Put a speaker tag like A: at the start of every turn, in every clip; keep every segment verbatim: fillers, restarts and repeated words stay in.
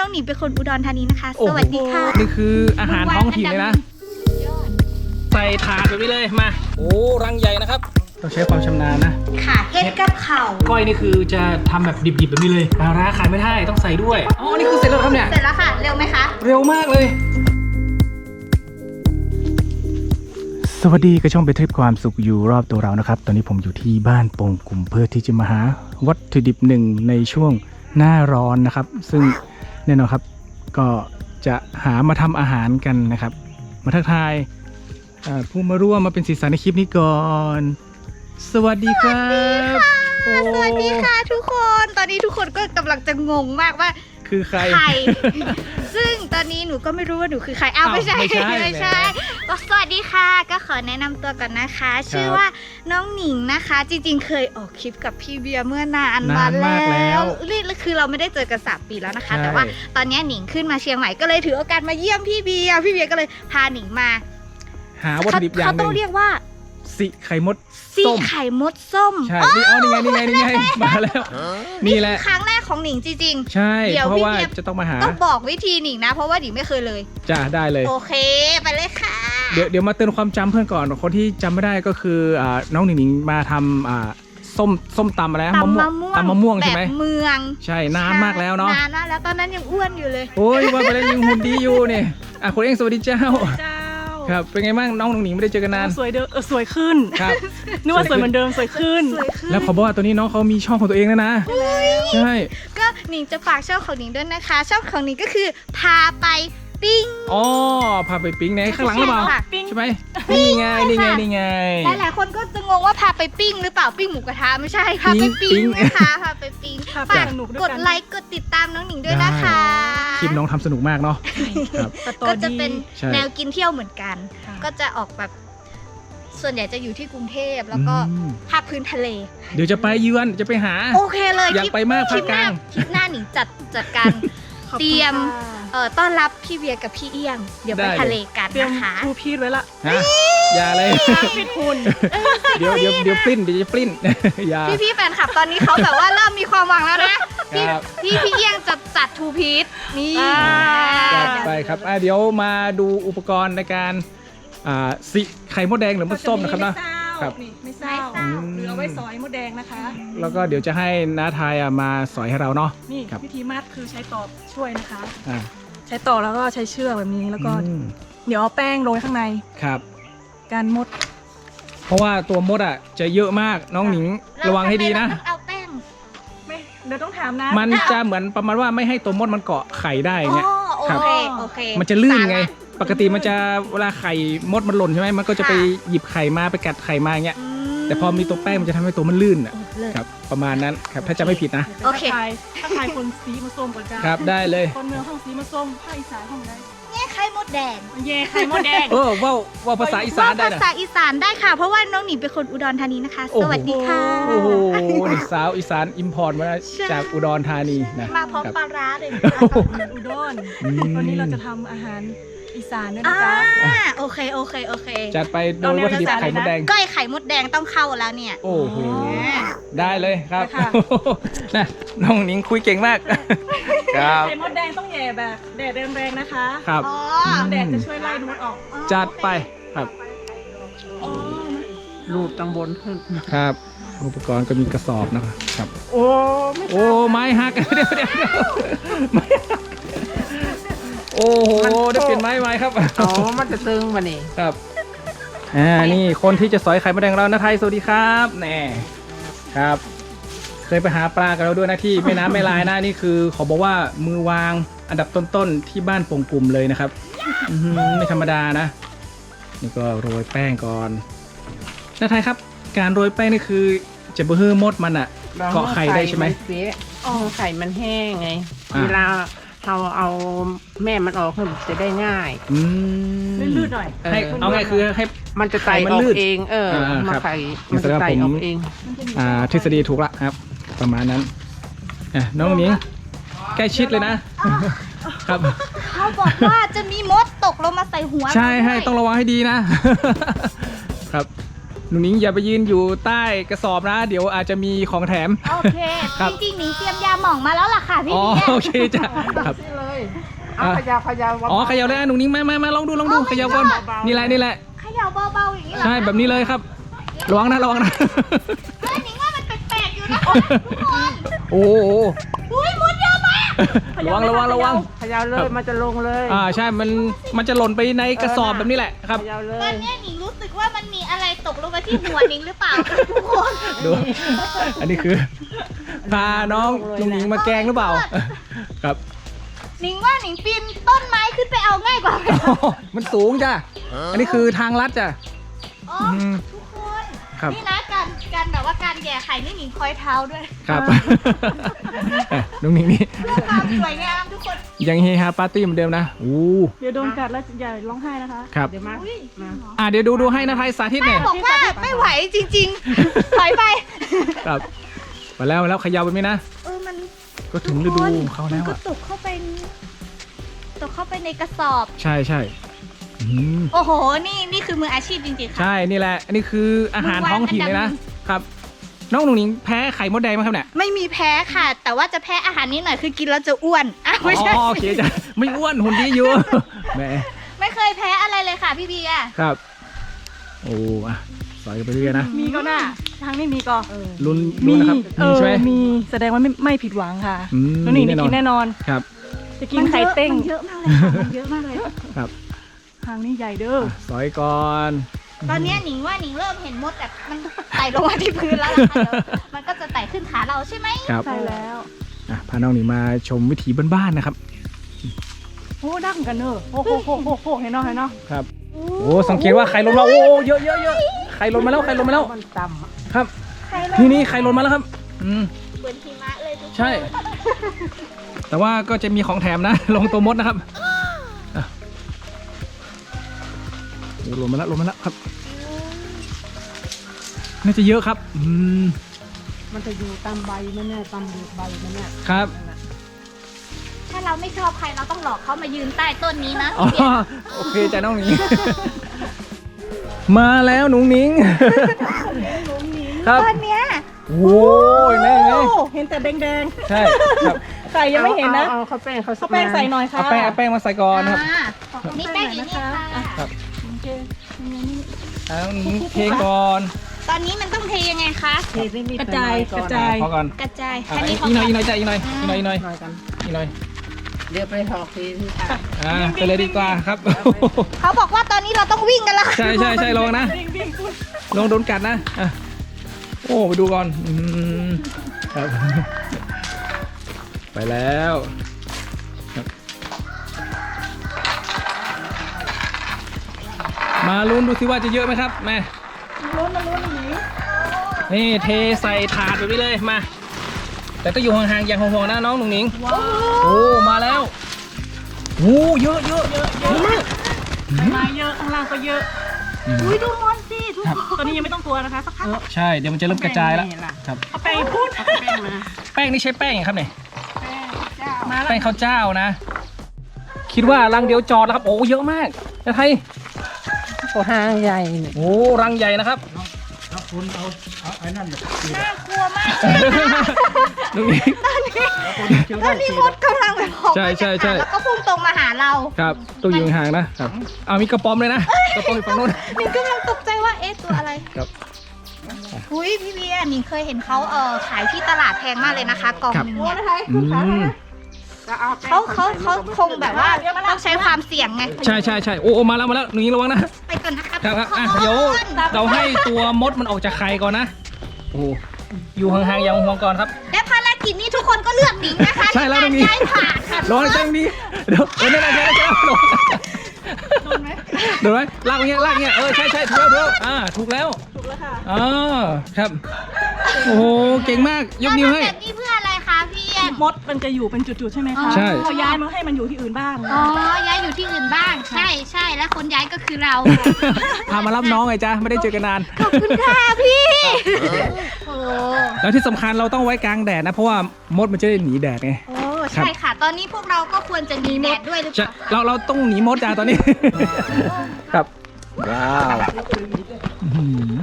A: องหนิงเป็นคนอุดรธานีนะคะสวัสดีค่ะ
B: นี่คืออาหารท้องถิ่นเลยนะใส่ถาดแบบนี้เลยมาโอ้รังใหญ่นะครับต้องใช้ความชำนาญนะ
A: ค่ะเฮ็ดกับเข่า
B: ก้อยนี่คือจะทำแบบดิบๆแบบนี้เลยปลาร้าขายไม่ได้ต้องใส่ด้วยอ๋อนี่คือเสร็จแล้วครับเนี่ย
A: เสร็จแล้วค่ะเร็วไหมคะ
B: เร็วมากเลยสวัสดีกระช่องไปทริปความสุขอยู่รอบตัวเรานะครับตอนนี้ผมอยู่ที่บ้านโป่งกลุ่มเพื่อที่จะมาหาวัตถุดิบหนึ่งในช่วงหน้าร้อนนะครับซึ่งแน่นอนครับก็จะหามาทำอาหารกันนะครับมาทักทายผู้มาร่วมมาเป็นสีสันในคลิปนี้ก่อนสวัสดีครับ
A: สวัสดีค่ะทุกคนตอนนี้ทุกคนก็กำลังจะงงมากว่า
B: คือใคร
A: ใครซึ่งตอนนี้หนูก็ไม่รู้ว่าหนูคือใครอ้าวไม่ใช่ไม่ใช่ไม่ใช่สวัสดีค่ะก็ขอแนะนำตัวก่อนนะคะชื่อว่าน้องหนิงนะคะจริงๆเคยออกคลิปกับพี่เบียร์เมื่อนานมาแล้วนี่คือเราไม่ได้เจอกันสามปีแล้วนะคะแต่ว่าตอนนี้หนิงขึ้นมาเชียงใหม่ก็เลยถือโอกาสมาเยี่ยมพี่เบียร์พี่เบียร์ก็เลยพาหนิงมา
B: หาวัตถุดิบอย่างหนึ่ง
A: เขาต้องเรียกว่า
B: สีไข่มด
A: สีไข่มดส้ม
B: ใช่นี่เอานี่ไงนี่ไงนี่ไงมาแล้วนี่แหละ
A: ครั้งแรกของหนิงจริง
B: ๆใช่เพราะว่าจะต้องมาหา
A: ต้องบอกวิธีหนิงนะเพราะว่าหนิงไม่เคยเลย
B: จ้าได้เลย
A: โอเคไปเลยค่ะ
B: เดี๋ยวเดี๋ยวมาเตือนความจำเพื่อนก่อนคนที่จำไม่ได้ก็คือน้องหนิงหนิงมาทำส้มส้มตำอะไร
A: ตำมะม่วง
B: ตำมะม่วงใช่ไหม
A: แบบเมือง
B: ใช่นานมากแล้วเนาะ
A: นานมากแล้วตอนนั้นยังอ้วนอยู่เลย
B: โอ้ยว่าไปแล้วยังหุ่นดีอยู่นี่อ่ะคุณเองสวัสดีเจ้าครับเป็นไงบ้างน้องหนิงไม่ได้เจอกันนาน
C: สวยเดิมสวยขึ้น
B: ครับ
C: นึกว่าสวยเหมือนเดิมสวยขึ้น
B: แล้วขอบอกว่าตัวนี้น้องเขามีช่องของตัวเองแล้วนะใช่
A: ก็หนิงจะฝากช่องของหนิงด้วยนะคะช่องของหนิงก็คือพาไปปิ้ง
B: อ๋อพาไปปิ้งในข้างหลังหรือเปล่าใช่ไหมนี่ไงนี่ไงนี่ไง
A: หลายๆคนก็จะงงว่าพาไปปิ้งหรือเปล่าปิ้งหมูกระทะไม่ใช่พาไปปิ้งนะคะพาไปปิ้งฝากกดไลค์กดติดตามน้องหนิงด้วยนะคะ
B: คลิปน้องทำสนุกมากเนาะ
A: ก็จะเป็นแนวกินเที่ยวเหมือนกันก็จะออกแบบส่วนใหญ่จะอยู่ที่กรุงเทพแล้วก็ภาคพื้นทะเล
B: เดี๋ยวจะไปเยือนจะไปหา
A: โอเคเลย
B: อยากไปมากภาคกลาง
A: คลิปหน้าหนิงจัดจัดการเตรียมต้อนรับพี่เบียร์กับพี่เอี้ยงเดี๋ยวไปทะเลกันนะคะ
C: ครูพีดไว้ละ
B: อย่าเลย
C: พีดคุณ
B: เดี๋ยวเดี๋ยวเดี๋ยวปลิ้นเดี๋ยวจะปลิ้นอย่า
A: พี่พี่แฟนคลับตอนนี้เขาแบบว่าเริ่มมีความหวังแล้วนะพี่พี่พี่เอี้ยงจะจัดทูพีดนี่
B: จัดไปครับเดี๋ยวมาดูอุปกรณ์ในการสิไข่มดแดงหรือมดส้มนะครับนะครับ
C: ไม่เศร้าหรือเอาไว้สอยมดแดงนะคะ
B: แล้วก็เดี๋ยวจะให้น้าทายมาสอยให้เราเนาะ
C: นี่วิธีมัดคือใช้ตอกช่วยนะคะใช้ตอกแล้วก็ใช้เชือกแบบนี้แล้วก็เดี๋ยวเอาแป้งโรยข้างใน
B: ครับ
C: การมด
B: เพราะว่าตัวมดอ่ะจะเยอะมากน้องหนิงระวังให้ดีนะ
A: เอาแป้ง
C: ไม่เดี๋ยวต้องถามนะ
B: มันจะเหมือนประมาณว่าไม่ให้ตัวมดมันเกาะไข่ได้เนี่ย
A: ครับโอเค
B: มันจะลื่นไงปกติมันจะเวลาไข่มดมันหล่นใช่ไหมมันก็จะไปหยิบไข่มาไปกัดไข่มาอย่างเงี้ยแต่พอมีตัวแป้งมันจะทำให้ตัวมันลื่นอ่ะครับประมาณนั้นครับถ้าจะไม่ผิดนะ
C: โอเคถ้าใครคนสีมาส้มก่อนจ้า
B: ครับได้เลย
C: คนเมืองห้องสีมาส้มภาคอีสานห้องไหน
A: แง่ไข่มดแดง
C: แง่ไข่มดแดง
B: เออว่าว่าภาษาอีสานได้นะ
A: ภาษาอีสานได้ค่ะเพราะว่าน้องหนิงเป็นคนอุดรธานีนะคะสวัสดีค่ะ
B: โอ้โหนี่สาวอีสานอิมพอร์ตมาจากอุดรธานีนะ
A: มาพร้อมปลาร้าเลย
C: อุดรวันนี้เราจะทำอาหารอีสานด้วยนะจ๊ะ
A: โอเคโอเคโอเค
B: จัดไปโดยวัตถุดิบไข่มดแดง
A: ก้อยไข่มดแดงต้องเข้าแล้วเนี่ย
B: โอ้โหได้เลยครับนะน้องหนิงคุยเก่งมาก
C: ครับไข่มดแดงต้องแย่แบบแดดแรงๆนะคะ
B: ครับ
C: แดดจะช่วยไล่มดออก
B: จัดไปครับ
C: รูปตังบนขึ้น
B: ครับอุปกรณ์ก็มีกระสอบนะครับ
C: โอ้
B: โอ้ไม้หักเดี๋ยวเดี๋ยวไม้หักโอ้โหได้เปลี่ยนไม้ไม้ครับ
C: อ๋อมันจะตึงมานี่
B: ครับอ่านี่คนที่จะสอยไข่มดแดงเรานะไทยสวัสดีครับแน่ครับเคยไปหาปลากันเราด้วยนะที่แม่น้ำแม่ลายนะนี่คือเขาบอกว่ามือวางอันดับต้นๆที่บ้านโป่งกลุ่มเลยนะครับไม่ธรรมดานะนี่ก็โรยแป้งก่อนนะไทยครับการโรยแป้งนี่คือจะเบื่อมดมันอ่ะเกาะไข่ได้ใช่ไหม
D: อ๋อไข่มันแห้งไงเวลาเราเอาแม่มันออกเพื่อจะได้ง่าย
C: ลื่นๆหน่อย
B: ให้เอาไงคือให้
D: มันจะไต่ออกเองเออมาไข่มันจะไต่ออกเอง
B: อ่าทฤษฎีถูกละครับประมาณนั้นน้องหนิงใกล้ชิดเลยนะครับ
A: เขาบอกว่าจะมีมดตกลงมาใส่หัว
B: ใช่ให้ต้องระวังให้ดีนะครับหนูหนิงอย่าไปยืนอยู่ใต้กระสอบนะเดี๋ยวอาจจะมีของแถม
A: โอเคจริงๆหนิงเตรียมยาหม่องมาแล้วล่ะค่ะพี่
B: อ๋อโอเคจ้ะครับ
D: เอาเขยาวขยาว
B: อ๋อเขย่าเลยอ่ะหนุ่งนิ้งมามามาลองดูลองดูเขย่าก่อนนี่แหละนี่แหละ
A: เขย่าเบาๆอย่างนี้เหรอ
B: ใช่แบบนี้เลยครับระวังนะระวังนะ
A: เฮ้ยหนิงว่ามันแปลกๆอยู่นะคะทุกคน
B: โอ้โห
A: อุ้ยมุดเยอะมาก
B: ระวังระวังระวัง
D: เขยาวเลยมันจะลงเลย
B: อ่าใช่มันมันจะหล่นไปในกระสอบแบบนี้แหละครับ
D: เขยาวเล
A: ตอน
D: ย
A: เนี้ยหนิงรู้สึกว่ามันมีอะไรตกลงมาที่หัวหนิงหรือเปล่าทุกคน
B: ดูอันนี้คือพาน้องหนุ่งนิ้งมาแกล้งหรือเปล่าครับ
A: หนิงว่าหนิงปีนต้นไม้ขึ้นไปเอาง่ายกว่าไหม
B: มันสูงจ้ะอันนี้คือทางลัดจ้ะ
A: อ๋อ
B: อืม
A: ทุกคน
B: ครับ
A: นี่นะการการแบบว่าการแย่ไข่นี่หนิงคอยเท้าด้วย
B: ครับน้องหนิงนี่
A: เพื่อความสวยงามทุกคน
B: ยังเฮฮาปาร์ตี้เหมือนเดิมนะอู้
C: เดี๋ยวโดนกัดแล้วอย่าร้องไห้นะคะ
B: ครับ
D: เดี๋ยวมา
A: อุ้ย
D: มา
B: อ่าเดี๋ยวดูดูให้นะไทยสาธิตหน่อย
A: บอกว่าไม่ไหวจริงๆถอยไป
B: ครับมาแล้วมาแล้วเขยาวแบบนี้นะ
A: เออมัน
B: ก็ถึงฤดูของเขาแล้ว
A: มันก็
B: อ่ะ
A: ตกเข้าไปตกเข้าไปในกระสอบ
B: ใช่ใช่อืม
A: โอ้โห นี่นี่คือมืออาชีพจริงๆค่ะ
B: ใช่นี่แหละ อันนี้คืออาหารท้องถิ่นเลยนะ ครับ น้องหนุ่งหนิงแพ้ไข่มดแดงไหมครับเนี่ย
A: ไม่มีแพ้ค่ะ แต่ว่าจะแพ้อาหารนิดหน่อยคือกินแล้วจะอ้วนอ้าวไม่ใช่
B: อ๋อโอเคจ้ะไม่อ้วนหุ่นดีอยู่ แหม
A: ไม่เคยแพ้อะไรเลยค่ะพี่เบียร์
B: ครับ โอ้อ่ะสอยกันไปเรื่อยๆนะ
C: มีก็น่าทางนี้มีก็
B: ลุ้น
C: มี
B: ลุ้นนะครับ
C: เอ
B: มี
C: อ
B: ใช่ไหม
C: มีแสดงว่าไม่ไม่ผิดหวังค่ะ
B: อืม
C: น้องหนิง
B: แน่
C: จะ
B: นอน
C: กินแน่นอน
B: ครับ
C: จะกินไข่เต้ง
A: มันเยอะมากเลยค่ะมันเยอะมากเลย
B: ครับ
C: ทางนี้ใหญ่เด้อ
B: อ่ะสอยก่อน
A: ตอนเนี้ยหนิงว่าหนิงเริ่มเห็นมดแบบมันไต่ลงมาที่พื้นแล้วล่ะค่ะเดี๋ยวมันก็จะไต่ขึ้นขาเราใช่ไหม
B: ครับ
C: ใช่แล้ว
B: อ่ะพาน้องหนิงมาชมวิถีบ้านๆนะครับ
C: โอ้ดังกันเนอะโอ้โหโอ้โหโอ้โหเห็นเนาะเห็นเนาะ
B: ครับ โอ้สังเกตว่าไข่หล่นมาโอ้เยอะเยอะเยอะไข่หล่นมาแล้วไข่หล่นมาแล้ว
D: มันต่ำอะ
B: ครับ
A: ใครเลย
B: นี่นี่ไข่หล่นมาแล้วครับ อืม
A: เหมือนหิมะเลยทุกคน
B: ใช่ แต่ว่าก็จะมีของแถมนะ ลงตัวมดนะครับอ่ะโอ้หล่นมาแล้วหล่นมาแล้วครับ น่าจะเยอะครับ อืม
D: มันจะอยู่ตามใบมันเนี่ยตามใบมันเนี่ย
B: ครับ
A: ถ้าเราไม่ชอบใครเราต้องหลอกเขามายืนใต้ต้นนี้นะ
B: อ๋อ
A: พี่เบียร์
B: โอเคจ้ะน้องหนิง มาแล้วหนุ่งหนิง ครับ
A: ตอนเนี้ย
B: โอ้ยแม่ไง
C: โอ้เห็นแต่แดง
B: ใช่ครับ
C: ๆไข่ยังไม่เห็นนะ
D: เอาเอาเขาแป้งเขา
C: เขาแป้งใส่หน่อยค่ะ
B: เอาแป้งเอาแป้งมาใส่ก่อนนะครับ
A: อ่านี่แป้งอยู่นี่ค่ะ
B: ครับ
C: โอเค
B: เอาหนิงเทก่อน
A: ตอนนี้มันต้องเทยังไงคะ
D: เทนิดๆ
C: กระจาย
D: หน่อก
C: ระจาย
B: พอก่อน
A: กระจาย
B: อ่ะ
A: แค่นี้พอ
B: อีกหน่อยอีกห
A: ก่
B: น่
A: อ
B: อน ยจ้ะอีกหน่อยอีกหน่อยอีกหน่อย
D: หน่อยกัน
B: อีกหน่อย
D: เดี๋ยวไปหอกทีที่ตา
B: อ่าไปเลยดีกว่าครับ
A: เขาบอกว่าตอนนี้เราต้องวิ่งกันแล้วค่ะ
B: ใช่ใช่ใช่ลองนะ
C: วิ่งวิ่งคุณ
B: ลองโดนกัดนะอ่ะโอ้ไปดูก่อนอืมครับ ไปแล้วครับมาลุ้นดูสิว่าจะเยอะไหมครับแม่
C: ลุ้นมาลุ้นหนี
B: นี่เทใส่ถาดแบบนี้เลยมา แต่ต้องอยู่ห่างๆอย่างห่วงๆนะน้องหนุ่งหนิง
C: ว้าว
B: โอ้มาแล้วโอ้เยอะเยอะเยอะเยอะมาก
C: มาเยอะข้างล่างก็เยอะ
A: อุ้ยดูมอนสิทุก
B: ครับ
A: คน
C: ตอนนี้ยังไม่ต้องกลัวนะคะสักพัก
B: ใช่เดี๋ยวมันจะเริ่มกระจายแล้ว
D: แป้งนี่ล่ะ
B: ครับ
C: เอาไปพูด
D: เอาแป้งมา
B: แป้งนี่ใช้แป้งอย่างครับเนี่ย
C: มาแล้ว
B: แป้งข้าวเจ้านะ คิดว่ารังเดียวจอดแล้วครับโอ้เยอะมากนะไทย
D: โอ้ห้างใหญ่เนี่ย
B: โอ้รังใหญ่นะครับ
A: น่ากลัวมาก
B: หนุ่งหนิง
A: ตอนนี้มดกำลังแบบออก
B: ใช่
A: มา
B: ใช่
A: จาก
B: ใช่
A: หางแล้วก็พุ่งตรงมาหาเรา
B: ครับต้องอยู่ห่างๆนะครับเอามีกระป๋อมเลยนะกระป๋อมอยู่ฝั่งโน้น
A: หนิงกำลังตกใจว่าเอ๊ะตัวอะไร
B: ครับ
A: อุ้ยพี่เบียร์หนิงเคยเห็นเขาเออขายที่ตลาดแพงมากเลยนะคะกล่อง
B: ครับ
A: หนึงเนี่ย
B: อืม
D: แล้วเอาแป้ง
A: เขาเขา
D: ใส่
A: เขาคงแบบว่าต้องใช้ความเสี่ยงไง
B: ใช่ใช่ใช่โอ้โอ้มาแล้วมาแล้วหนุ่งหนิงระวังนะ
A: ไปก่อนนะคะ
B: ครับครับอ่ะ
A: ทุกคน
B: เดี๋ยวเราให้ตัวมดมันออกจากไข่ก่อนนะโอ้อยู่ห่างๆอย่างห่วงๆก่อนครับ
A: และภารกิจนี้ทุกคนก็เลือกหนิงนะคะ
B: ใช่แล้ว
A: ใน
B: ตรง
A: การ
B: นี้
A: ย้ายผ่านค่ะ
B: ลองให้แจ้งดีเดี๋ยวเดี๋ยวนี่นะแจ้งแจ้งลง
C: โดนไหม
B: โดนไหมลากอย่างเงี้ยลากอย่างเงี้ยเออใช่ใช่ถูกแล้วถูกแล้วอ่าถูกแล้ว
C: ถูกแล้วค่ะ
B: อ่าครับโอ้โหเก่งมากยกนิ้วให้
A: เราทำแบบนี้เพื่ออะไรคะพี่เอ็ม
C: มดมันจะอยู่เป็นจุดๆใช่ไหมคะ
B: ใช่
C: พอย้ายมันให้มันอยู่ที่อื่นบ้าง
A: อ๋อย้ายอยู่ที่อื่นบ้าง ใช่ใช่และคนย้ายก็คือเรา
B: พามารับน้องไงจ้าไม่ได้เจอกันนาน
A: ขอบคุณค่ะพี่โอ้
B: แล้วที่สำคัญเราต้องไว้กลางแดดนะ เพราะว่ามดมันจะได้หนีแดดไง
A: โอ้ใช่ค่ะ ตอนนี้พวกเราก็ควรจะหนีแดดด้วยหรือเป
B: ใช่
A: ล่า
B: เราเราต้องหนีมดจ้าตอนนี้ ครับว้าวอื้อหือ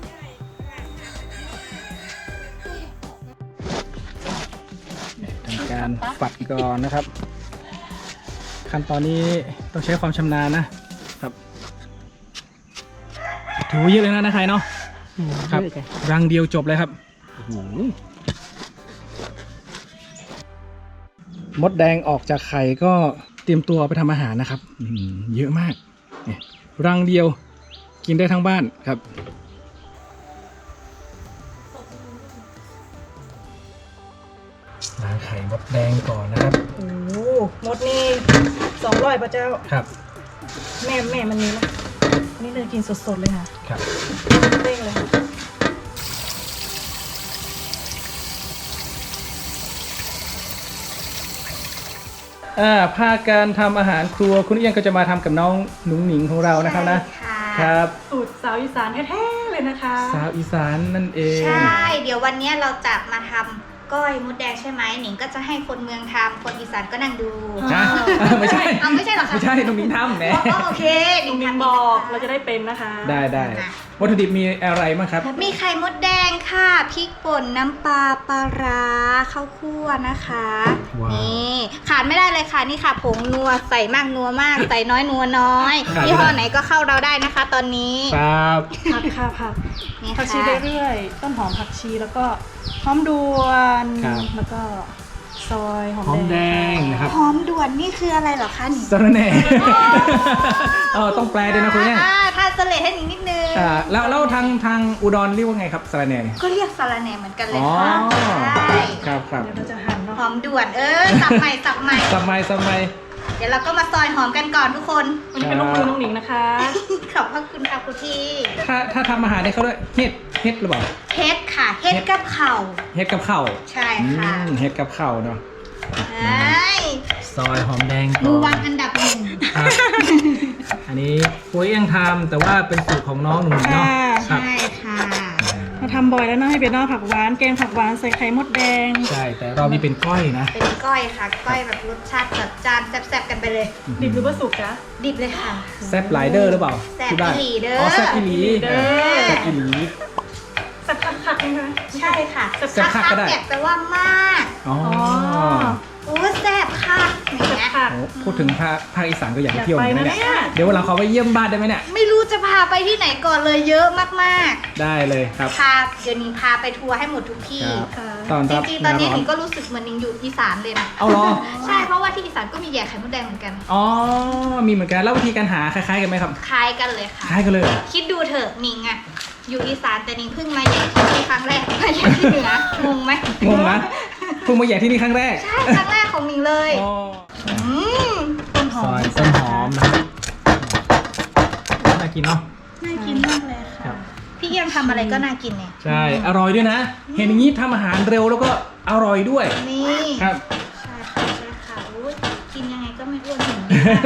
B: ทำการการฝัดก่อนนะครับ ขั้นตอนนี้ต้องใช้ความชำนาญนะครับถือว่าเยอะเลยนะนะใครเนาะครับรังเดียวจบเลยครับโอ้โหมดแดงออกจากไข่ก็เตรียมตัวไปทำอาหารนะครับอื้อหือเยอะมากเนี่ยรังเดียวกินได้ทั้งบ้านครับล้างไข่มดแดงก่อนนะครับ
C: โอ้โหมดนี่สองร้อยพระเจ้า
B: ครับ
C: แม่แม่มันนี้นะนี่เลยกินสดๆเลยค่ะ
B: ครับ
C: เด้งเลยค่ะ
B: อ่าภาคการทำอาหารครัวคุณเอี้ยงก็จะมาทำกับน้องหนุ่งหนิงของเรานะครับนะ
A: ใช่ค่ะ
B: ครับ
C: สูตรสาวอีสานแท้ๆเลยนะคะ
B: สาวอีสานนั่นเอง
A: ใช่ เดี๋ยววันนี้เราจะมาทำก้อยมดแดงใช่ไหมหนิงก็จะให้คนเมืองทำคนอีสานก็นั่งดู
B: ฮะไม่ใช่
A: เอาไม่ใช่เหรอคะ
B: ไม่ใช่น้องหนิงทำแหม
A: อ๋อโอเคหนิ
C: ลุ
A: ง
C: งมิน
A: ทำ
C: บอกเรา
A: เรา
C: จะ
A: จะ
C: ได้เป็นนะคะ
B: ได้ได้วัตถุดิบมีอะไรบ้างครับ
A: มีไข่มดแดงค่ะพริกป่นน้ำปลาปลาร้าข้าวคั่วนะคะ
B: ว้าว
A: นี่ขาดไม่ได้เลยค่ะนี่ค่ะผงนัวใส่มากนัวมาก ใส่น้อยนัวน้อย
B: ขาดไม่ได้
A: ยี่ห้อไหนก็เข้าเราได้นะคะ ตอนนี้
B: ครับ
C: ผักค่ะผัก
A: นี่
C: ผักชี
A: ค่ะ
C: เรื่อยๆต้นหอมผักชีแล้วก็หอมด่วน
B: ครับ
C: แล้วก็ซอยหอม
B: หอมแด
C: แด
B: ง
C: ง
B: นะครับ
A: หอมด่วนนี่คืออะไรเหรอคะหนิง
B: สะระแหน่เออต้องแปลด้วยนะคุณเนี่ย
A: อ่าทานสเลดให้หนิงนิดนึง
B: อ่าแล้วแล้วทางทางอุดรเรียกว่าไงครับสะระแหน่เนี่ย
A: ก็เรียกสาระแหน่เหมือนกันเลย
B: อ๋อ
A: ค่ะใช่
B: ครับครับ
C: เดี๋ยวเราจะหั่นเนาะ
A: หอมด่วนเออสับใหม่สับใหม่
B: สมัยสมัย
A: เดี๋ยวเราก็มาซอยหอมกันก่อนทุกคน
C: วันนี้เป็นลูกมือน้องหนิงนะคะ
A: ขอบพระคุณค่ะคุณพี่
B: ถ้าถ้าทำอาหารได้เขาด้วยเฮ็ดเฮ็ดหรือเปล่า
A: เฮ็ดค่ะเฮ็ดกับเข่าว
B: เฮ็ดกับข้าว
A: ใช่ค่ะ
B: อืมเฮ็ดกับข้าวเนาะ
A: ใช่
B: ซอยหอมแดงก่
A: มื
B: อ
A: อน วางอันดับหนึ่ง
B: ครับอันนี้ปุ้ยยังทำแต่ว่าเป็นสูตรของน้องหนุ่มเนาะครับ
A: ใช่ค่ะ
C: เราทำบ่อยแล้วเนาะให้เป็นเนอกผักหวานแกงผักหวานใส่ไข่มดแดง
B: ใช่แต่รอบนี้เป็นก้อยนะ
A: เป็นก้อยค่ะ ก้อยแบบรสชาติจัดจานแซ่บๆกันไปเลย
C: ดิบหรือว่าสุกจ๊ะ
A: ดิบเลยค่ะ
B: แซบไลเดอร์หรือเปล่า
A: แซ่บ
B: ที่บ้าน
A: อีหลีเด้อ
B: อ๋อแซบอีหลี
C: เด้อ
B: แซบอีหลี
C: สักคักๆนะคะ
A: ใช่ค่ะ
B: แซ่บคักก็ได้
A: แซ่บแปลว่ามาก
B: อ๋อ
A: โอ้แซ่บค่ะอย่างเงี้ย
C: ค่ะ
B: โอ้พูดถึงภาคภาคอีสานก็อยาก
C: อ
B: ไป
C: ยาก
B: เที่ยวเห
C: ไป
B: มือนกัน
C: นะ
B: นะเนี่ย
C: เนี่ย
B: เดี๋ยววันหลังขอไปเยี่ยมบ้านได้ไหมเนี่ย
A: ไม่รู้จะพาไปที่ไหนก่อนเลยเยอะมาก
B: ได้เลยครับ
A: ๆ พาเดี๋ยวนี้พาไปทัวร์ให้หมดทุกที่
B: ครับ
C: ค่ะ
B: ตอน
A: จ
B: รับ
A: ริง
B: ห
A: ๆ ตอน
B: น้า
A: นี้
B: ร้อ
A: ห
B: น
A: นิงก็รู้สึกเหมือนหนิงอยู่อีสานเลยนะ
B: เอาเหรอ
A: ใช่ เพราะว่าที่อีสานก็มีแย่ไข่มดแดงเหมือนกัน
B: อ๋อมีเหมือนกันแล้ววิธีการหาคล้ายๆกันไหมครับ
A: คล้ายกันเลยค่ะ
B: คล้ายกันเลยเหรอ
A: คิดดูเถอะหนิงอะอยู่อีสานแต่หนิงเพิ่งมาแย่ที่นี่ครั้งแรกมาแย่ที่เหนืองงไหม
B: งงนะเพิ่งมาแย่ที่นี่ครั้งแรก
A: ใช่ครั้งแรกของหนิงเลย
B: อ๋อ
A: อืมต้นหอ
B: ซ
A: ม
B: อยต้นหอมนะครับน่ากินเนาะ
A: น่ากินมากเลย
B: ครั
A: ค่ะ
B: บ
A: พี่เอี้ยังทำอะไรก็น่ากินเนี่ย
B: ใช่อร่อยด้วยนะ เห็นอย่างนี้ทำอาหารเร็วแล้วก็อร่อยด้วย
A: นี่
B: ครับ
A: ใช่ค่ะใช่ค่ะอุ๊ยกินยังไงก็ไม่อ้วนถึง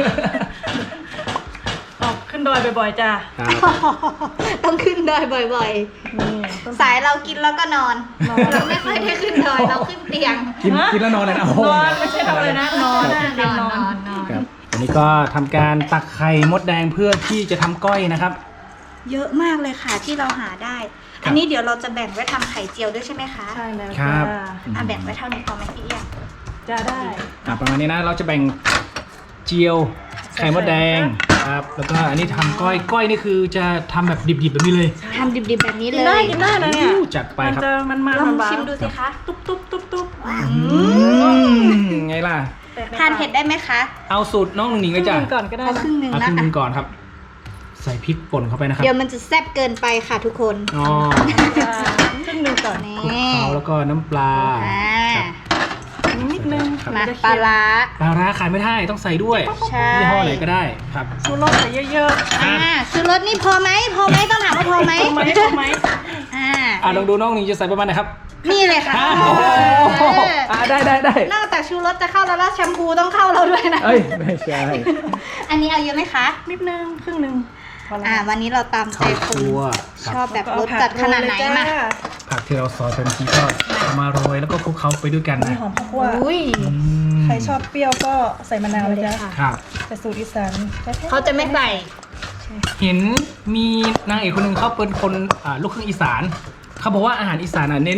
C: ออกขึ้นดอยบ่อยๆจ้ะ
B: ครับ
A: ต้องขึ้นดอยบ่อย
C: นี่ต้น
A: ๆ สายเรากินแล้วก็นอน เราไม่ค่อยได้ขึ้นดอยเราขึ้นเตียง
B: กินกินแล้วนอนเลยนะโอ้โห
C: นอนไม่ใช่ทำอะไรนะนอน
A: น
C: เต็ม
A: อน
C: น
A: น
C: อ
A: อน นนอน
B: ครับอันนี้ก็ทำการตักไข่มดแดงเพื่อที่จะทำก้อยนะครับ
A: เยอะมากเลยค่ะที่เราหาได้ อันนี้เดี๋ยวเราจะแบ่งไว้ทำไข่เจียวด้วยใช่ไหมคะ
C: ใช่แล้ว
B: ครั
C: จ้า
B: บ
A: อ่ะแบ่งไว้เท่านี้พอไหมพี่เอี้ยง
C: จะได้
B: อ่ะประมาณนี้นะเราจะแบ่งเจียวไข่มดแดงครับแล้วก็อันนี้ทำก้อยก้อยนี่คือจะทำแบบดิบๆแบบนี้เลย
A: ทำดิบๆแบบนี้
C: กิ
A: เล
C: นได้
A: ย
C: กินได้นะเนี่ย
B: อู้จัดไป
C: มัน
B: ครับ
C: จะมันมัน
A: ลอง
C: หวาน
A: ชิมดูสิคะ
C: ตุ๊บตุ๊บตุ๊บตุ๊บ
A: อื
B: อื
A: ม
B: มไงล่ะ
C: แตกใ
A: ทานเผ็ดได้ไหมคะ
B: เอาสูตรน้องหนุ่งหนิง
C: ค
B: เล
C: รึ่
B: ย
C: ง
B: จ้ะ
C: หนึงก่อนก็ได้
A: เอา
C: นะ
A: ครึ่งหนึ่ง
B: เอา
A: นะ
B: ครึ่งหนึง
A: อ่ะ
B: ก่อนครับ ใส่พริกป่นเข้าไปนะครับ
A: เดี๋ยวมันจะแซ่บเกินไปค่ะทุกคน
B: อ๋อ
C: จ้าครึ่งหนึงก่อน
A: นี่
B: คลุกเคล้าแล้วก็น้ำปลา
A: อ่า
B: ครับ
C: นิดนึง
B: ครับ
A: มา
C: จะ
A: ปลา
C: เค็ม
A: ร้า
B: ปลาร้าขายไม่ได้ต้องใส่ด้วย
A: ใช่
B: ยี่ห้อไหนก็ได้ครับ
C: ชูรสใส่เยอะ
A: อ่าซื้อรสนี่พอไหมพอไหมต้องถามว่าพอไหม
C: ๆพอไหมพอไหม
A: อ่า
B: อ่ะลองดูน้องหนิงจะใส่ประมาณไหนครับ
A: นี่เลยค่ะ
B: อ้าวโอ้โห
A: เออ
B: อ่ะได้ได้ได้
A: นอกจากชูรสจะเข้าแล้วแล้วแชมพูต้องเข้าเราด้วยนะ
B: เอ้ยไม่ใช่
A: อันนี้เอาเยอะไหมคะ
C: นิดนึงครึ่งหนึงพอแล้ว
A: อ่า วันนี้เราตามใจ
B: ข้าว
A: คุ
B: คั่
A: ณ
B: วค
A: ช
B: รับ
A: อบแบบรสจัดขนาดไหนมา
B: ผักที่เราซอยเป็นทีก็เอามาโรยแล้วก็คลุกเคล้าไปด้วยกัน
C: มี
B: นะ
C: หอมข้าวคั่ว
A: อุ้ย
B: อืม
C: ใครชอบเปรี้ยวก็ใส่มะนาวเลยจ้ะ
B: ครับ
C: แต่สูตรอีสานแท้ๆ
A: เขาจะไม่ใส่
B: เห็นมีนางเอกคนหนึ่งเขาเป็นคนอ่าลูกครึ่งอีสาน เขาบอกว่าอาหารอีสานอ่ะเน้น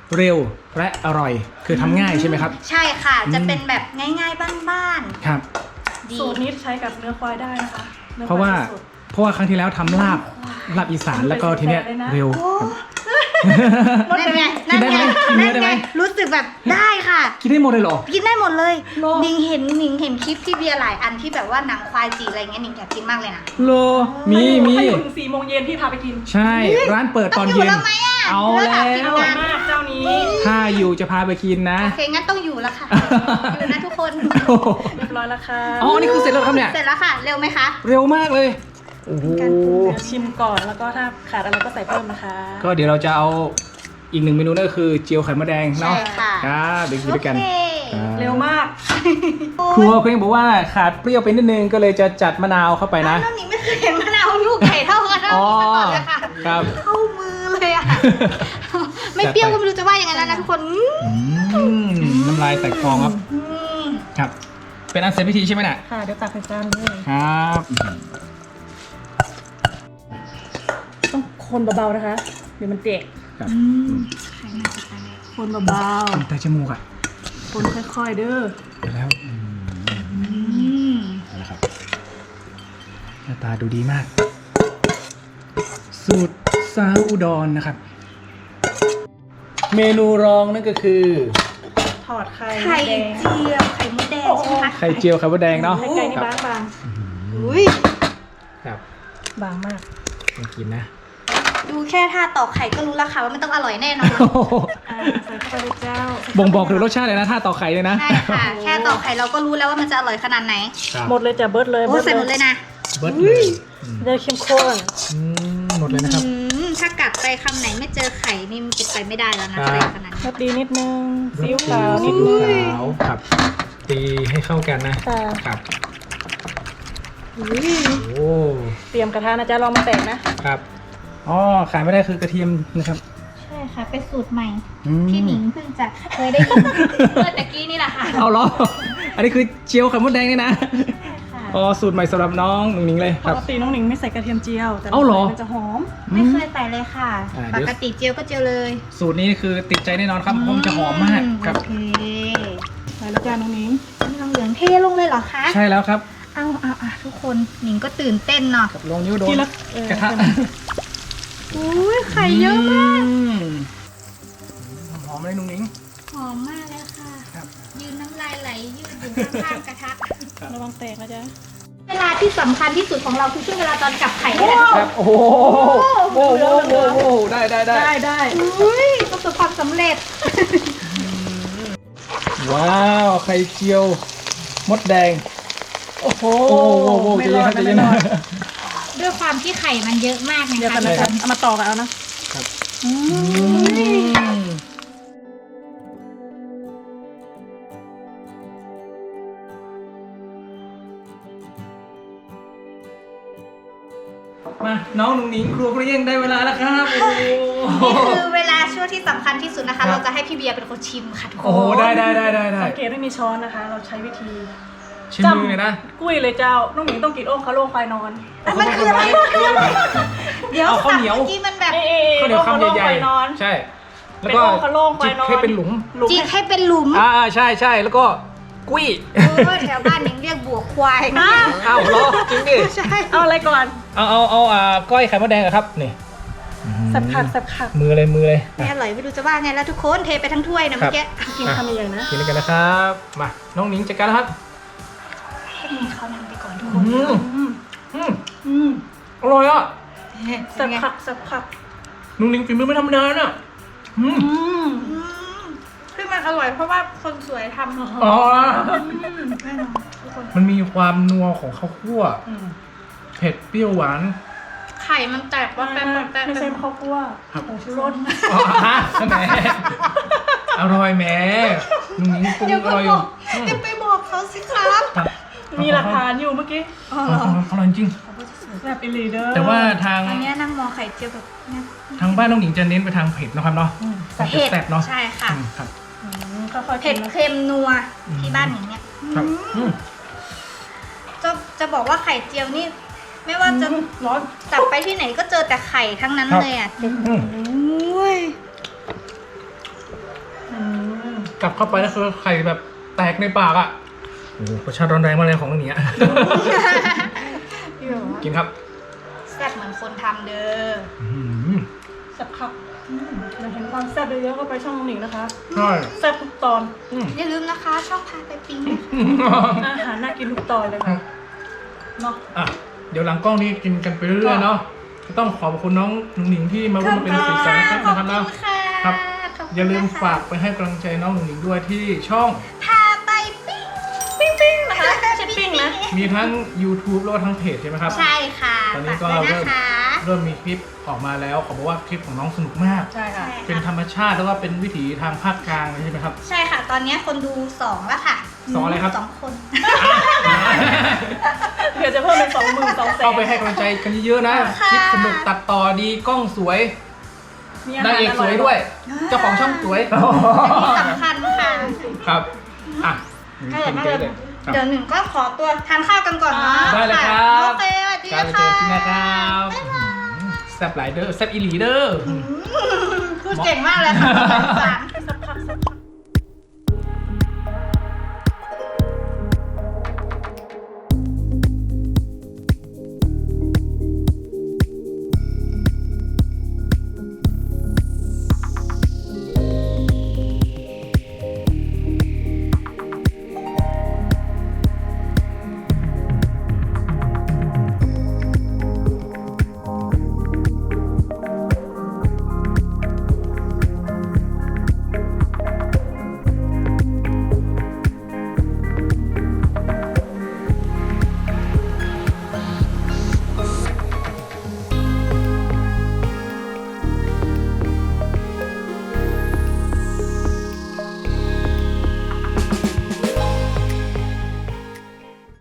B: เร็วและอร่อยคือทำง่ายใช่ไหมครับ
A: ใช่ค่ะ
B: อืม
A: จะเป็นแบบง่ายๆบ้าน
B: ครับ
A: ๆดี
C: สูตรนี้ใช้กับเนื้อควายได้นะคะนื้อ
B: เพราะว่า
C: ควยสด
B: เพราะว่าครั้งที่แล้วทำลาบลาบอีสานแล้วก็ทีเนี้ยเร็ว
A: โอ้
B: ครับ
A: นั่นไง
B: กินได้ไหมกินเนื้อได้ไหม
A: รู้สึกแบบได้ค่ะ
B: กินได้หมดเลยเหรอ
A: กินได้หมดเลย
C: โล
A: หนิงเห็นหนิงเห็นคลิปที่เบียร์หลายอันที่แบบว่าหนังควายจีอะไรเงี้ยหนิงอยากกินมากเลยนะ
B: โลมีมี
C: ถ้าอยู่ถึงสี่โมงเย็นที่พาไปกิน
B: ใช่ ร้านเปิดตอน
A: ต้
B: เย็
A: ง
B: น
A: แล้วไหมอ่ะ
B: เอา
A: ลิ
B: แล้
A: กะกิน
C: อ
B: ว
C: ร่อย
A: นาน
C: มากเจ้านี้
B: ถ้าอยู่จะพาไปกินนะ
A: โอเคงั้นต้องอยู่แล้วค่ะ อยู่นะทุกคน
B: โอ้โห
C: เรียบร้อยแล้วค่ะ
B: อ๋อนี่คือเสร็จแล้วครับเนี่ย
A: เสร็จแล้วค่ะ เร็วไหมคะ
B: เร็วมากเลยโอ้โห
C: การปรุงเดี๋ยวชิมก่อนแล้วก็ถ้าขาดอะไรก็ใส่เพิ่มนะคะ
B: ก็เดี๋ยวเราจะเอาอีกหนึ่งเมนูนั่นก็คือเจียวไข่มดแดงเนาะ
A: ใช่ค่ะ
B: ครับเดี๋ยวกินด้วยกัน
A: โอเค
B: ครับ
C: เร็วมาก
B: ครัวเขายังบอกว่าขาดเปรี้ยวไปนิดนึงก็เลยจะจัดมะนาวเข้าไปนะ
A: น้องหนิงไม่เคยเห็นมะนาวลูกใหญ่เท่ากันเท่านี้มาก่อนเลยค่ะ
B: ครับ
A: เข้ามือเลยอ่ะ ไม่เปรี้ยวก็ไม่รู้จะว่ายังไงแล้วนะทุกคนอืม
B: อืมน้ำลายแตกฟองครับ
A: อืม
B: ครับ เป็นอันเสร็จพิธีใช่ไหมน่ะ
C: ค่ะเดี๋ยวตักใส่จานเลย
B: ครับ
C: ต้องคนเบาๆนะคะเดี๋ยวมันเตะ
B: ครับ
A: อืมไข่น่าจะตาย
C: คนเบา
B: แต่จมูกอ่ะ
C: ๆคนค่อยๆเด้อ
B: เดี๋ยวแล้วอืม
A: อืม
B: เอาละครับหน้าตาดูดีมาก สูตรซาวอุดรนะครับ เมนูรองนั่นก็คือ
C: ถอดไข่
A: ไข่
C: แดง
A: เจียวไข่มดแดงใช่ไหมคะ
B: ไข่เจียวไข่มดแดงเนาะ
C: ไข่ไก่นี่
B: ครับ
C: บาง
A: อุ้ย
B: ครับ
C: ๆบางมาก
B: มากินนะ
A: ดูแค่ท่าตอกไข่ก็รู้แล้วค่ะว่ามันต้องอร่อยแน่นอน
B: โอ้โห
C: อ่าใส่เข้าไปเลยเจ้า
B: บ่งบอกถึงรสชาติเลยนะถ้าต่อไข่เลยนะ
A: ใช่ค่ะ แค่ตอกไข่เราก็รู้แล้วว่ามันจะอร่อยขนาดไหน
B: ครับ
C: หมดเลยจ้ะเบิร์ดเลย
A: โอ้ใส่หมดเลยนะ
B: เบิร์ดเลยอืม
C: จะเข้มข้น
B: อืมหมดเลยนะครับ
A: อืมถ้ากัดไปคำไหนไม่เจอไข่นี่มันเป็นไปไม่ได้แล้วนะ
B: ครั
A: อะไร
B: บ
A: ขนาด
C: ร
A: นี้
C: สดีนิดนึงซีอิ๊วขาวนิดนึง
B: ซีอิ๊วขาวครับ ตีให้เข้ากันนะ
C: ค่ะ
B: ครับ
C: อุ้ย
B: โอ้
C: เตรียมกระทะนะจ๊ะลองมาแตกนะ
B: ครับอ๋อขายไม่ได้คือกระเทียมนะครับ
A: ใช่ค่ะ เป็นสูตรใหม่
B: อืม
A: พี่หนิงเพิ่งจะเคยได้ยินเมื่อตะกี้นี่แหละค่ะ
B: เอาเหรอ อันนี้คือเจียวไข่มดแดงนี่นะ
A: ค่ะ
B: อ๋อสูตรใหม่สำหรับน้องหนุ่งหนิงเลย
C: ป
B: ครับ
C: กติน้องหนิงไม่ใส่กระเทียมเจียวแต่
B: เอ้าเหรอ
C: มันจะหอม
A: ไม่เคยใส่เลยค่ะ
B: อ่า
A: ป
B: เดี๋ยว
A: กติเจียวก็เจียวเลย
B: สูตรนี้คือติดใจแน่นอนครับเพราะมันจะหอมมากครับ
A: โอเค
C: ใส่แล้วจ้าน้องหนิง
A: น้ำเหลืองเทลงเลยเหรอคะ
B: ใช่แล้วครับ
A: เอาเอาเอาทุกคนหนิงก็ตื่นเต้นเนาะ
B: กับลงนิ้วโดน
C: ทีละเออก
B: ระทะ
A: อุ้ยไข่เยอะมาก
B: อืมหอมเลยหนุ่งหนิง
A: หอมมากเลยค่ะ
B: ครับ
A: ยืนน้ำลายไหลยืดอยู่ข้างๆกระทะ
C: ระวังแตกนะจ๊ะ
A: เวลาที่สำคัญที่สุดของเราคือช่วงเวลาตอนกลับไข่นี่แหละ
B: ครับ โอ้โหโอ้โหโอ้โหโอ้โหได้ได้ได้
C: ได้ได้
A: อุ้ยประสบความสำเร็จ
B: ว้าวไข่เจียวมดแดง
C: โอ้โห
B: โอ้โหโอ้โห
C: ไม่รอด
B: ใจ
C: นะ
B: เย็
C: ไม่
B: น
C: ร
B: นะ
C: อด
A: ด้วยความที่ไข่มันเยอะมากนะ
C: เดี๋ยว
A: คะ
C: กันนะจ๊ะเอามาต่อกันเอานะ
B: ครับ
C: อืม
B: อืมมาน้องหนุ่งหนิงครัวเปรี้ยงได้เวลาแล้วครับโอ้โห
A: นี่คือเวลาช่วงที่สำคัญที่สุดนะ
B: ครั
A: คะ
B: บ
A: เราจะให้พี่เบียร์เป็นคนชิมค่ะทุกคน
B: โอ้โหได้ได้ได้ได้ได้
C: สังเกตไม่มีช้อนนะคะ เราใช้วิธี
B: ชิมมือเลยนะ
C: กุ้ยเลยเจ้า น้องหนิงต้องกินโอ่งคาโล่ควายนอน
A: มันคืออะไรมันคืออะไรเดี๋ยว
B: เอาข้าว
A: สับ
B: เหนียว
A: เมื่อกี้มันแบบ
C: เอ๊ะ
B: ข้าวเหนียวคำใหญ่
C: ควายนอน
B: ๆใช่ แล้ว
C: เป็น
B: ก็
C: โอ่งคาโล่ควายนอน
B: จิกให้เป็นหลุม
C: หลุม
A: จิกให้เป็นหลุม
B: อ่าใช่ใช่แล้วก็กุ้ย
A: โอ้ยแถวบ้านยังเรียกบวกควาย
C: อ้าว
B: อ้าวเหรอจริงดิ
A: ใช่
C: เอาอะไรก่อน
B: เอาเอาเอาอ่าก้อยไข่มดแดงอะครับนี่
C: สับผักสับผัก
B: มือเลยมือเลย
A: ไม่อร่อยไม่รู้จะว่าไงแล้วทุกคนเทไปทั้งถ้วยนะเมื่อกี้
C: กินคำใหญ่ๆนะ
B: กินกันนะครับมาน้องหนิงจัดการแล้วครับ
A: เขานำไปก่อนทุกค
B: อื
A: น
B: ม
C: อืม
B: อืม
C: อืม
B: อร่อยอ่ะ
C: สับผักสับผัก
B: น้องหนิงฝีมือไม่ธรรมดาน่ะอืม
C: อืม
A: อืมคือมันอร่อยเพราะว่าคนสวยทำ
B: อ๋อ
A: แน่นอนทุกคน
B: มันมีความนัวของข้าวคั่ว
C: อืม
B: เผ็ดเปรี้ยวหวาน
A: ไข่มันแตกว่าแป๊บแป๊บแป๊บ
C: ไม่ใช่ข้าวคั่ว
B: ครับ
C: ผงชูรส
B: อ๋อฮะแหมอร่อยแหมน้องหนิงปรุง
A: เดี๋ยว
B: อ
A: ก็
B: ร่อยอบ
A: อยู่ กอย่าไปบอกเขาสิครับ
B: ครับ
C: มีหลักฐานอยู่เมื่อกี้
A: อ๋อ
B: อ
A: เหรอ
B: ร่อยอร่อยจริง
C: แซ่บอีหลีเด้อ
B: แต่ว่าทาง
A: อันเนี้ยนั่งมองไข่เจียวแบบเนี่ย
B: ทางบ้านน้องหนิงจะเน้นไปทางเผ็ดนะครับเนาะ
C: อืม
B: จะแซ่บเนาะ
A: ใช่ค่ะ
B: อืมครับ
C: อืมค่อยๆ
A: เผ็
C: กิ
A: ด
C: นนะ
A: เค็มนัว
B: อืม
A: ที่บ้านหนิงเนี่ย
B: ครับอืม
A: จะจะบอกว่าไข่เจียวนี่ ไม่ว่าจะ
C: ร้อน
A: จับไปที่ไหนก็เจอแต่ไข่ทั้งนั้น
B: ครับ
A: เลยอ่ะ
B: อืม
A: โอ้ย
B: กัดเข้าไปแล้วคือไข่แบบแตกในปากอ่ะโอ้โหรสชาติร้อนแรงมากเลยของน้องหนิงอ่ะ กินครับ
A: แซ่บเหมือนคนทำเด้อ
B: อื้อหือ
C: แซ่บครับอยากเห็นความแซ่บเยอะๆก็ไปช่องน้องหนิงนะคะ
B: ใช่
C: แซ่บทุกตอน
B: อืม
A: อย่าลืมนะคะช่องพาไปปิ้งนะคะ
C: อาหารน่ากินทุกตอนเลยค่ะเนาะ
B: อ่ะเดี๋ยวหลังกล้องนี้กินกันไปเรื่อยๆเนาะก็ต้องขอบคุณน้องหนุ่งหนิงที่มาร่วมเป็นสีสันนะครับ
A: ขอบ
B: นะครับ
A: คุ
B: เนาะ
A: ณค่ะ
B: ครับ
A: ขบคุณ
B: อย่าลืม
A: นะคะ
B: ฝากไปให้กำลังใจน้องหนุ่งหนิงด้วยที่ช่อง
A: พาไปปิ้ง
C: ปิ้งปิ้งนะคะไม่ใช่ปิ้งนะ
B: มีทั้ง YouTube แล้วก็ทั้งเพจใช่ไหมครับ
A: ใช่ค่ะ
B: ตอนนี้
A: ฝาก
B: ก็
A: ด้วยนะคะ
B: เริ่มมีคลิปออกมาแล้วขอบอกว่าคลิปของน้องสนุกมาก
C: ใช่ค่ะ
B: เป็นธรรมชาติแล้วก็เป็นวิถีทางภาคกลางเลยใช่ไหมครับ
A: ใช่ค่ะ ตอนนี้คนดูสองแล้วค่ะ
B: สองอะไรครับ
A: สองคน
C: เดี๋ยวจะเพิ่มเป็นสองหมื่นสองแสน
B: เข้าไปให้กำลังใจกันเยอะๆนะ
A: ค่ะ
B: คลิปสนุกตัดต่อดีกล้องสวย
C: มีอาหาร
B: นางเอกสวยด้วย เจ้าของช่องสวย
A: อันนี้สำคัญค่ะ
B: ครับอ่ะ
A: ถ้า
B: กิน
A: เกิ
B: เย
A: ด
B: อะเลยครับ
A: เดี๋ยวหนึ่งก็ขอตัวทานข้าวกันก่อนเนาะ
B: ได้เลยครับ
A: โอเคสวัสดี
B: การไปเจ
A: ค่ะ
B: อที่นะครับแซ่บหลายเด้อแซ่บอีหลีเด้อ
A: พูดเก่งมากเลยค่ะสงสาร